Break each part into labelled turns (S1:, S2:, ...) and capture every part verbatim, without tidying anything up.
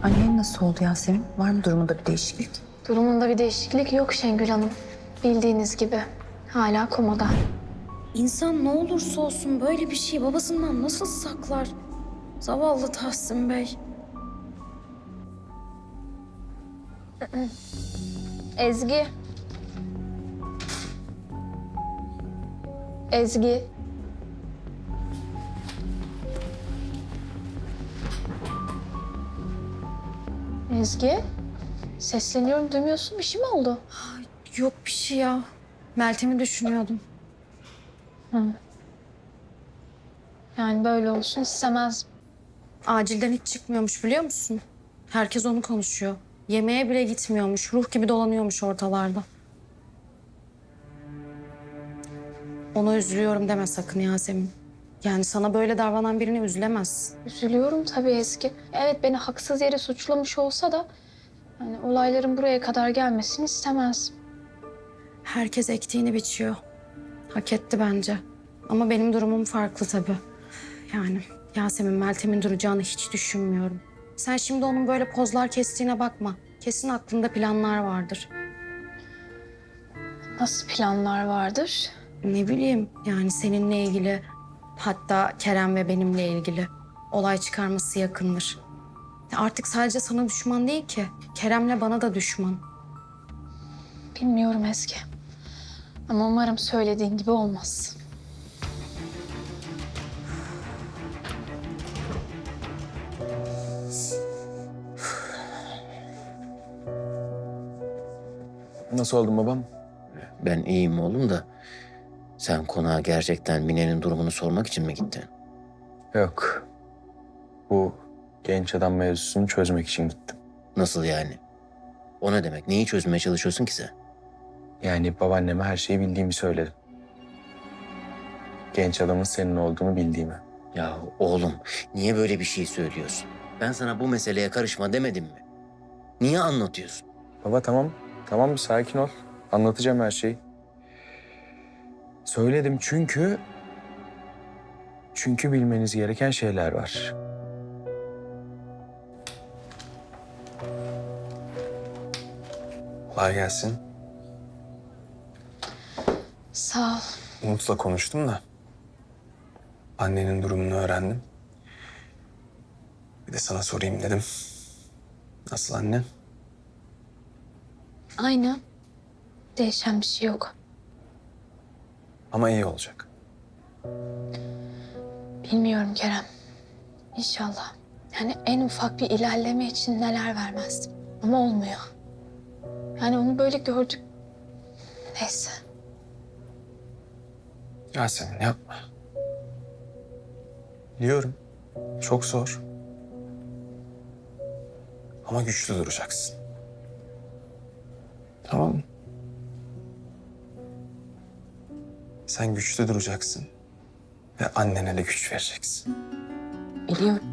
S1: Annen nasıl oldu Yasemin? Var mı durumunda bir değişiklik?
S2: Durumunda bir değişiklik yok Şengül Hanım. Bildiğiniz gibi hala komada.
S3: İnsan ne olursa olsun böyle bir şeyi babasından nasıl saklar? Zavallı Tahsin Bey.
S2: Ezgi. Ezgi. Ezgi. Sesleniyorum, duymuyorsun. Bir şey mi oldu?
S3: Yok bir şey ya. Meltem'i düşünüyordum.
S2: Yani böyle olsun istemez.
S3: Acilden hiç çıkmıyormuş biliyor musun? Herkes onu konuşuyor. Yemeğe bile gitmiyormuş. Ruh gibi dolanıyormuş ortalarda. Ona üzülüyorum deme sakın Yasemin. Yani sana böyle davranan birine üzülemezsin.
S2: Üzülüyorum tabii Ezgi. Evet, beni haksız yere suçlamış olsa da... ...yani olayların buraya kadar gelmesini istemez.
S3: Herkes ektiğini biçiyor. Hak etti bence. Ama benim durumum farklı tabii. Yani Yasemin, Meltem'in duracağını hiç düşünmüyorum. Sen şimdi onun böyle pozlar kestiğine bakma. Kesin aklında planlar vardır.
S2: Nasıl planlar vardır?
S3: Ne bileyim yani seninle ilgili, hatta Kerem ve benimle ilgili olay çıkarması yakındır. Ya artık sadece sana düşman değil ki. Kerem'le bana da düşman.
S2: Bilmiyorum Ezgi. Ama umarım söylediğin gibi olmaz.
S4: Nasıl oldun babam?
S5: Ben iyiyim oğlum da sen konağa gerçekten Mine'nin durumunu sormak için mi gittin?
S4: Yok. Bu genç adam mevzusunu çözmek için gittim.
S5: Nasıl yani? O ne demek? Neyi çözmeye çalışıyorsun ki sen?
S4: Yani babaanneme her şeyi bildiğimi söyledim. Genç adamın senin olduğunu bildiğimi.
S5: Ya oğlum niye böyle bir şey söylüyorsun? Ben sana bu meseleye karışma demedim mi? Niye anlatıyorsun?
S4: Baba tamam. Tamam bir sakin ol. Anlatacağım her şeyi. Söyledim çünkü... Çünkü bilmeniz gereken şeyler var. Kolay gelsin.
S2: Sağ ol.
S4: Umut'la konuştum da annenin durumunu öğrendim. Bir de sana sorayım dedim. Nasıl annen?
S2: Aynı. Değişen bir şey yok.
S4: Ama iyi olacak.
S2: Bilmiyorum Kerem. İnşallah. Yani en ufak bir ilerleme için neler vermezdim. Ama olmuyor. Yani onu böyle gördük. Neyse.
S4: Yasemin yapma. Biliyorum. Çok zor. Ama güçlü duracaksın. Tamam mı? Sen güçlü duracaksın. Ve annene de güç vereceksin.
S2: Biliyorum.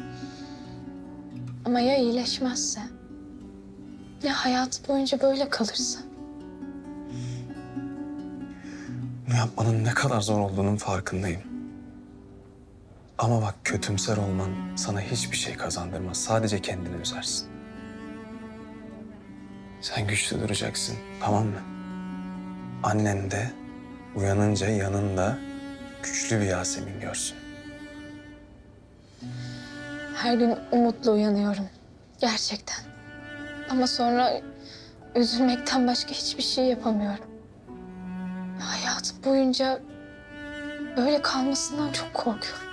S2: Ama ya iyileşmezse? Ya hayatı boyunca böyle kalırsa?
S4: Bunu yapmanın ne kadar zor olduğunun farkındayım. Ama bak kötümser olman sana hiçbir şey kazandırmaz. Sadece kendini üzersin. Sen güçlü duracaksın, tamam mı? Annen de uyanınca yanında güçlü bir Yasemin görsün.
S2: Her gün umutla uyanıyorum. Gerçekten. Ama sonra üzülmekten başka hiçbir şey yapamıyorum. Hayatım boyunca böyle kalmasından çok korkuyorum.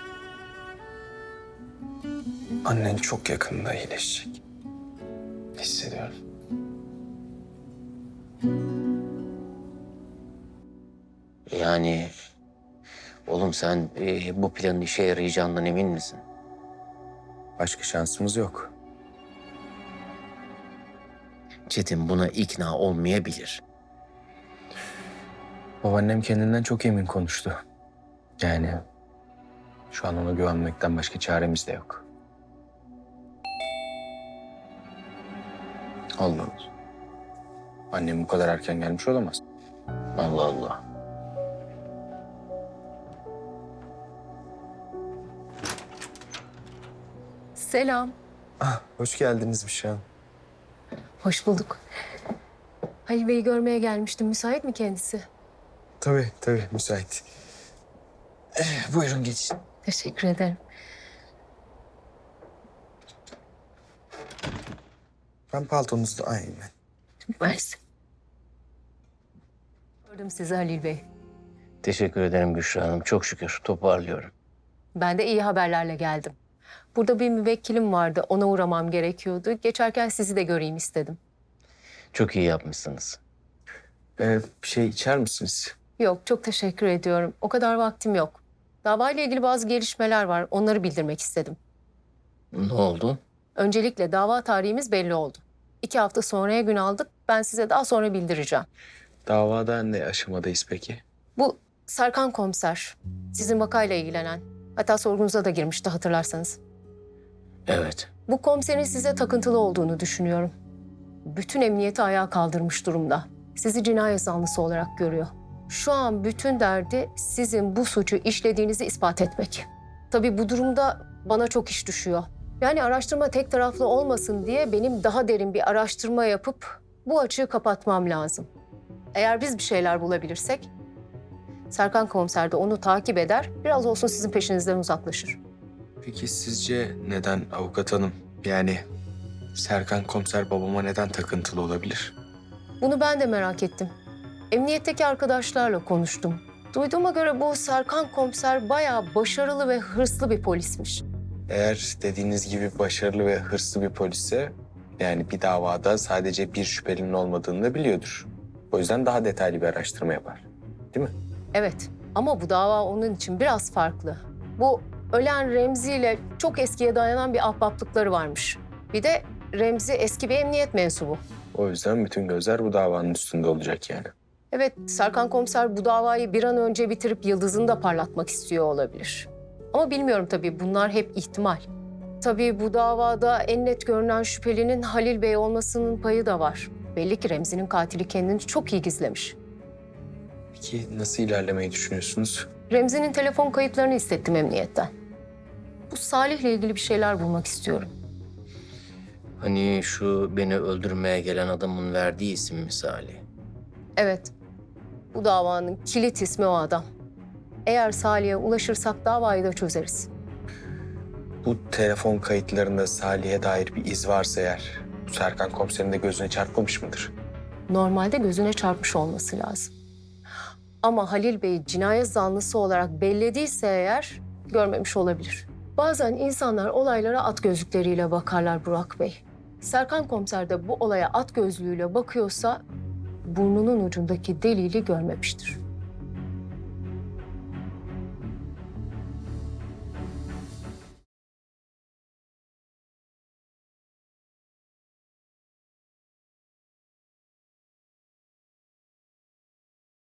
S4: Annen çok yakında iyileşecek. Hissediyorum.
S5: Yani oğlum sen e, bu planın işe yarayacağından emin misin?
S4: Başka şansımız yok.
S5: Çetin buna ikna olmayabilir.
S4: Babaannem kendinden çok emin konuştu. Yani şu an ona güvenmekten başka çaremiz de yok. Allah Allah. Annem bu kadar erken gelmiş olamaz.
S5: Allah Allah.
S6: Selam.
S4: Ah, hoş geldiniz Büşra Hanım.
S6: Hoş bulduk. Halil Bey'i görmeye gelmiştim. Müsait mi kendisi?
S4: Tabii, tabii müsait. Eh, buyurun geçin.
S6: Teşekkür ederim.
S4: Ben paltonuzu da aynen.
S6: Mersi. Gördüm sizi Halil Bey.
S5: Teşekkür ederim Büşra Hanım. Çok şükür toparlıyorum.
S6: Ben de iyi haberlerle geldim. Burada bir müvekkilim vardı. Ona uğramam gerekiyordu. Geçerken sizi de göreyim istedim.
S5: Çok iyi yapmışsınız.
S4: Ee, bir şey içer misiniz?
S6: Yok, çok teşekkür ediyorum. O kadar vaktim yok. Davayla ilgili bazı gelişmeler var. Onları bildirmek istedim.
S5: Ne oldu?
S6: Öncelikle dava tarihimiz belli oldu. İki hafta sonraya gün aldık. Ben size daha sonra bildireceğim.
S4: Davada ne aşamadayız peki?
S6: Bu Serkan komiser, sizin vakayla ilgilenen. Hatta sorgunuza da girmişti hatırlarsanız.
S5: Evet.
S6: Bu komiserin size takıntılı olduğunu düşünüyorum. Bütün emniyeti ayağa kaldırmış durumda. Sizi cinayet zanlısı olarak görüyor. Şu an bütün derdi sizin bu suçu işlediğinizi ispat etmek. Tabii bu durumda bana çok iş düşüyor. Yani araştırma tek taraflı olmasın diye benim daha derin bir araştırma yapıp bu açığı kapatmam lazım. Eğer biz bir şeyler bulabilirsek Serkan komiser de onu takip eder, biraz olsun sizin peşinizden uzaklaşır.
S7: Peki sizce neden avukat hanım? Yani Serkan komiser babama neden takıntılı olabilir?
S6: Bunu ben de merak ettim. Emniyetteki arkadaşlarla konuştum. Duyduğuma göre bu Serkan komiser bayağı başarılı ve hırslı bir polismiş.
S7: Eğer dediğiniz gibi başarılı ve hırslı bir polisse, yani bir davada sadece bir şüphelinin olmadığını da biliyordur. O yüzden daha detaylı bir araştırma yapar. Değil mi?
S6: Evet ama bu dava onun için biraz farklı. Bu ölen Remzi ile çok eskiye dayanan bir ahbaplıkları varmış. Bir de Remzi eski bir emniyet mensubu.
S7: O yüzden bütün gözler bu davanın üstünde olacak yani.
S6: Evet, Serkan komiser bu davayı bir an önce bitirip yıldızını da parlatmak istiyor olabilir. Ama bilmiyorum tabii, bunlar hep ihtimal. Tabii bu davada en net görünen şüphelinin Halil Bey olmasının payı da var. Belli ki Remzi'nin katili kendini çok iyi gizlemiş.
S7: Peki nasıl ilerlemeyi düşünüyorsunuz?
S6: Remzi'nin telefon kayıtlarını istettim emniyetten. Bu Salih'le ilgili bir şeyler bulmak istiyorum.
S5: Hani şu beni öldürmeye gelen adamın verdiği isim misali.
S6: Evet, bu davanın kilit ismi o adam. Eğer Salih'e ulaşırsak davayı da çözeriz.
S7: Bu telefon kayıtlarında Salih'e dair bir iz varsa eğer, bu Serkan komiserin de gözüne çarpmamış mıdır?
S6: Normalde gözüne çarpmış olması lazım. Ama Halil Bey cinayet zanlısı olarak bellediyse eğer görmemiş olabilir. Bazen insanlar olaylara at gözlükleriyle bakarlar Burak Bey. Serkan komiser de bu olaya at gözlüğüyle bakıyorsa burnunun ucundaki deliği görmemiştir.